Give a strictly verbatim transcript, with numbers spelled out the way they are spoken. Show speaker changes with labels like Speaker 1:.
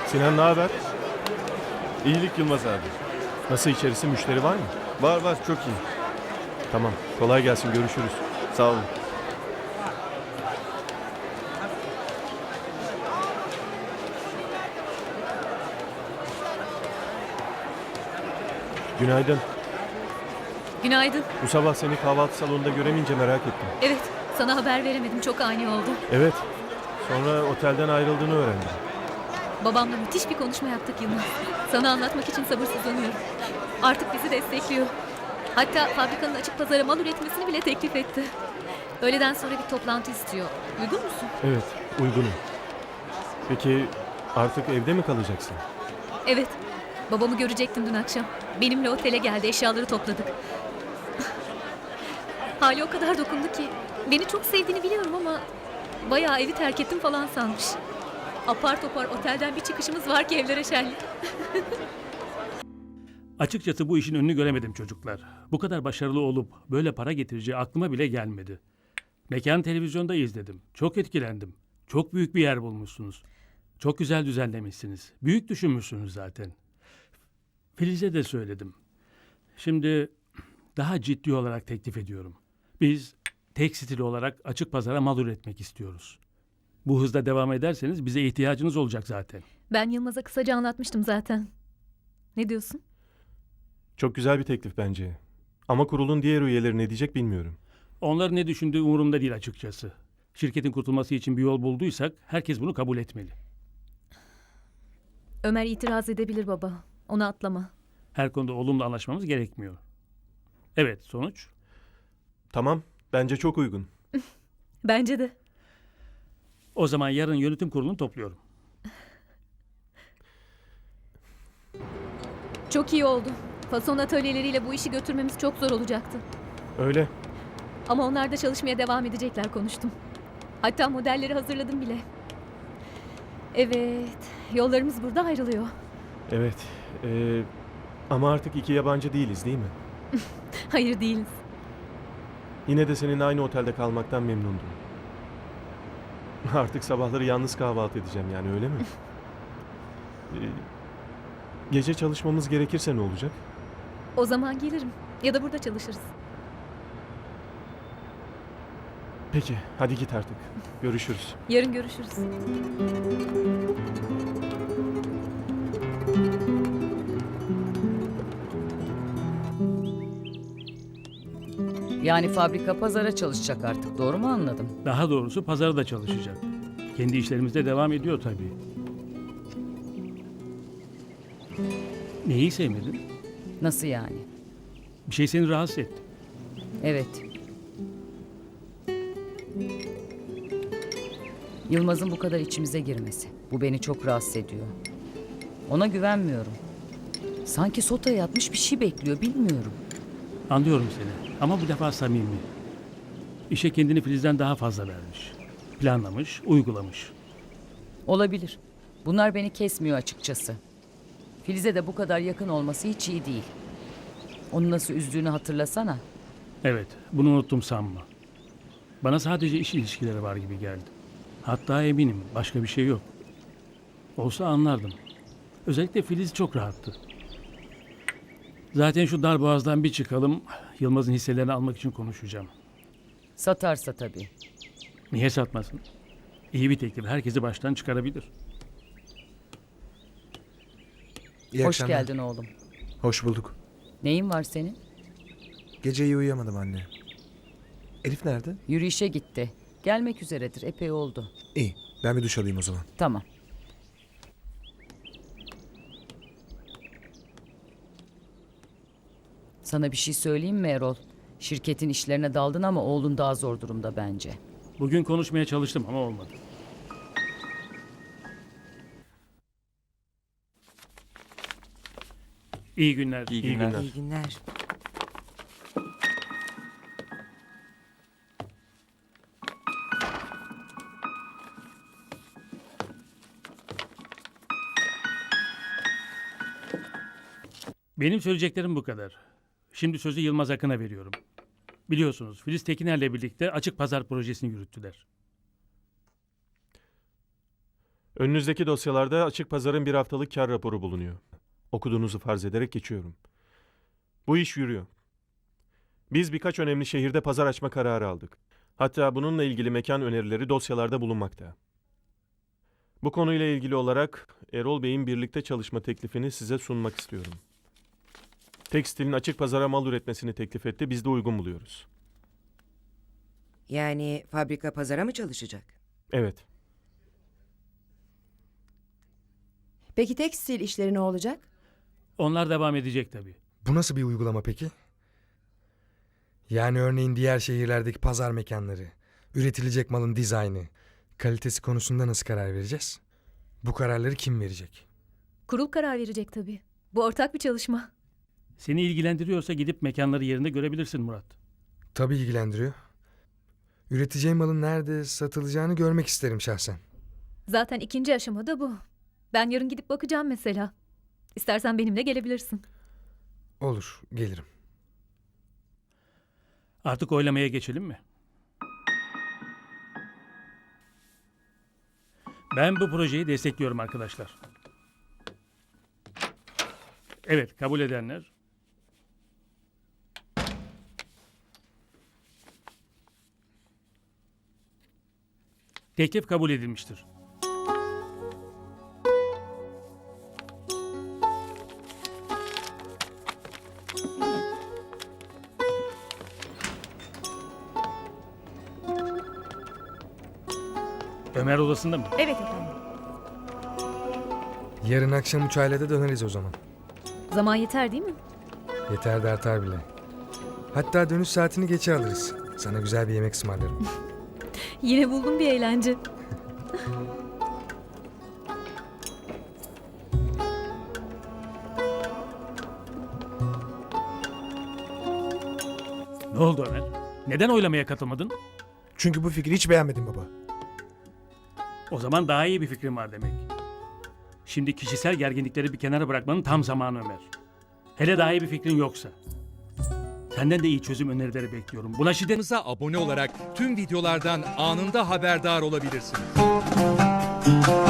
Speaker 1: Sinan ne haber?
Speaker 2: İyilik Yılmaz abi.
Speaker 1: Nasıl içerisi, müşteri var mı?
Speaker 2: Var var, çok iyi.
Speaker 1: Tamam, kolay gelsin, görüşürüz.
Speaker 2: Sağ olun.
Speaker 1: Günaydın.
Speaker 3: Günaydın.
Speaker 1: Bu sabah seni kahvaltı salonunda göremeyince merak ettim.
Speaker 3: Evet, sana haber veremedim. Çok ani oldu.
Speaker 1: Evet, sonra otelden ayrıldığını öğrendim.
Speaker 3: Babamla müthiş bir konuşma yaptık Yılmaz. Sana anlatmak için sabırsızlanıyorum. Artık bizi destekliyor. Hatta fabrikanın açık pazara mal üretmesini bile teklif etti. Öğleden sonra bir toplantı istiyor. Uygun musun?
Speaker 1: Evet, uygunum. Peki artık evde mi kalacaksın?
Speaker 3: Evet. Babamı görecektim dün akşam. Benimle otele geldi, eşyaları topladık. Hali o kadar dokundu ki. Beni çok sevdiğini biliyorum ama bayağı evi terk ettim falan sanmış. Apar topar otelden bir çıkışımız var ki evlere şenlik.
Speaker 4: Açıkçası bu işin önünü göremedim çocuklar. Bu kadar başarılı olup böyle para getireceği aklıma bile gelmedi. Mekan televizyonda izledim. Çok etkilendim. Çok büyük bir yer bulmuşsunuz. Çok güzel düzenlemişsiniz. Büyük düşünmüşsünüz zaten. Filiz'e de söyledim. Şimdi daha ciddi olarak teklif ediyorum. Biz tekstil olarak açık pazara mal üretmek istiyoruz. Bu hızda devam ederseniz bize ihtiyacınız olacak zaten.
Speaker 3: Ben Yılmaz'a kısaca anlatmıştım zaten. Ne diyorsun?
Speaker 1: Çok güzel bir teklif bence. Ama kurulun diğer üyeleri ne diyecek bilmiyorum.
Speaker 4: Onların ne düşündüğü umurumda değil açıkçası. Şirketin kurtulması için bir yol bulduysak herkes bunu kabul etmeli.
Speaker 3: Ömer itiraz edebilir baba. Onu atlama.
Speaker 4: Her konuda olumlu anlaşmamız gerekmiyor. Evet, sonuç?
Speaker 1: Tamam, bence çok uygun.
Speaker 3: Bence de.
Speaker 4: O zaman yarın yönetim kurulunu topluyorum.
Speaker 3: Çok iyi oldu. Fason atölyeleriyle bu işi götürmemiz çok zor olacaktı.
Speaker 1: Öyle.
Speaker 3: Ama onlar da çalışmaya devam edecekler konuştum. Hatta modelleri hazırladım bile. Evet, yollarımız burada ayrılıyor.
Speaker 1: Evet. ee, ama artık iki yabancı değiliz değil mi?
Speaker 3: Hayır değiliz.
Speaker 1: Yine de senin aynı otelde kalmaktan memnundum. Artık sabahları yalnız kahvaltı edeceğim yani, öyle mi? Ee, gece çalışmamız gerekirse ne olacak?
Speaker 3: O zaman gelirim. Ya da burada çalışırız.
Speaker 1: Peki, hadi git artık. Görüşürüz.
Speaker 3: Yarın görüşürüz.
Speaker 5: Yani fabrika pazara çalışacak artık, doğru mu anladım?
Speaker 4: Daha doğrusu pazarda çalışacak. Kendi işlerimizde devam ediyor tabii. Neyi sevmedin?
Speaker 5: Nasıl yani?
Speaker 4: Bir şey seni rahatsız etti.
Speaker 5: Evet. Yılmaz'ın bu kadar içimize girmesi. Bu beni çok rahatsız ediyor. Ona güvenmiyorum. Sanki sotaya yatmış bir şey bekliyor, bilmiyorum.
Speaker 4: Anlıyorum seni ama bu defa samimi. İşe kendini Filiz'den daha fazla vermiş. Planlamış, uygulamış.
Speaker 5: Olabilir. Bunlar beni kesmiyor açıkçası. Filiz'e de bu kadar yakın olması hiç iyi değil. Onu nasıl üzdüğünü hatırlasana.
Speaker 4: Evet, bunu unuttum sanma. Bana sadece iş ilişkileri var gibi geldi. Hatta eminim başka bir şey yok. Olsa anlardım. Özellikle Filiz çok rahattı. Zaten şu dar boğazdan bir çıkalım, Yılmaz'ın hisselerini almak için konuşacağım.
Speaker 5: Satarsa tabii.
Speaker 4: Niye satmasın? İyi bir teklif, herkesi baştan çıkarabilir.
Speaker 6: İyi
Speaker 5: Hoş
Speaker 6: akşamlar.
Speaker 5: geldin oğlum.
Speaker 6: Hoş bulduk.
Speaker 5: Neyin var senin?
Speaker 6: Gece iyi uyuyamadım anne. Elif nerede?
Speaker 5: Yürüyüşe gitti. Gelmek üzeredir, epey oldu.
Speaker 6: İyi. Ben bir duş alayım o zaman.
Speaker 5: Tamam. Sana bir şey söyleyeyim mi Erol? Şirketin işlerine daldın ama oğlun daha zor durumda bence.
Speaker 4: Bugün konuşmaya çalıştım ama olmadı. İyi günler.
Speaker 2: İyi
Speaker 1: İyi
Speaker 2: günler.
Speaker 1: günler.
Speaker 7: İyi günler.
Speaker 4: Benim söyleyeceklerim bu kadar. Şimdi sözü Yılmaz Akın'a veriyorum. Biliyorsunuz Filiz Tekiner'le birlikte açık pazar projesini yürüttüler.
Speaker 1: Önünüzdeki dosyalarda açık pazarın bir haftalık kar raporu bulunuyor. Okuduğunuzu farz ederek geçiyorum. Bu iş yürüyor. Biz birkaç önemli şehirde pazar açma kararı aldık. Hatta bununla ilgili mekan önerileri dosyalarda bulunmakta. Bu konuyla ilgili olarak Erol Bey'in birlikte çalışma teklifini size sunmak istiyorum. Tekstilin açık pazara mal üretmesini teklif etti, biz de uygun buluyoruz.
Speaker 7: Yani fabrika pazara mı çalışacak?
Speaker 1: Evet.
Speaker 8: Peki tekstil işleri ne olacak?
Speaker 4: Onlar devam edecek tabii.
Speaker 6: Bu nasıl bir uygulama peki? Yani örneğin diğer şehirlerdeki pazar mekanları, üretilecek malın dizaynı, kalitesi konusunda nasıl karar vereceğiz? Bu kararları kim verecek?
Speaker 3: Kurul karar verecek tabii. Bu ortak bir çalışma.
Speaker 4: Seni ilgilendiriyorsa gidip mekanları yerinde görebilirsin Murat.
Speaker 6: Tabii ilgilendiriyor. Üreteceğim malın nerede satılacağını görmek isterim şahsen.
Speaker 3: Zaten ikinci aşamada bu. Ben yarın gidip bakacağım mesela. İstersen benimle gelebilirsin.
Speaker 6: Olur, gelirim.
Speaker 4: Artık oylamaya geçelim mi? Ben bu projeyi destekliyorum arkadaşlar. Evet, kabul edenler. Teklif kabul edilmiştir. Ömer odasında mı?
Speaker 3: Evet efendim.
Speaker 6: Yarın akşam uçağıyla da döneriz o zaman.
Speaker 3: Zaman yeter değil mi?
Speaker 6: Yeter de artar bile. Hatta dönüş saatini geçe alırız. Sana güzel bir yemek ısmarlarım.
Speaker 3: Yine buldum bir eğlence.
Speaker 4: Ne oldu Ömer? Neden oylamaya katılmadın?
Speaker 6: Çünkü bu fikri hiç beğenmedim baba.
Speaker 4: O zaman daha iyi bir fikrim var demek. Şimdi kişisel gerginlikleri bir kenara bırakmanın tam zamanı Ömer. Hele daha iyi bir fikrin yoksa. Senden de iyi çözüm önerileri bekliyorum. Buna şiddet...
Speaker 9: Kanalımıza abone olarak tüm videolardan anında haberdar olabilirsiniz.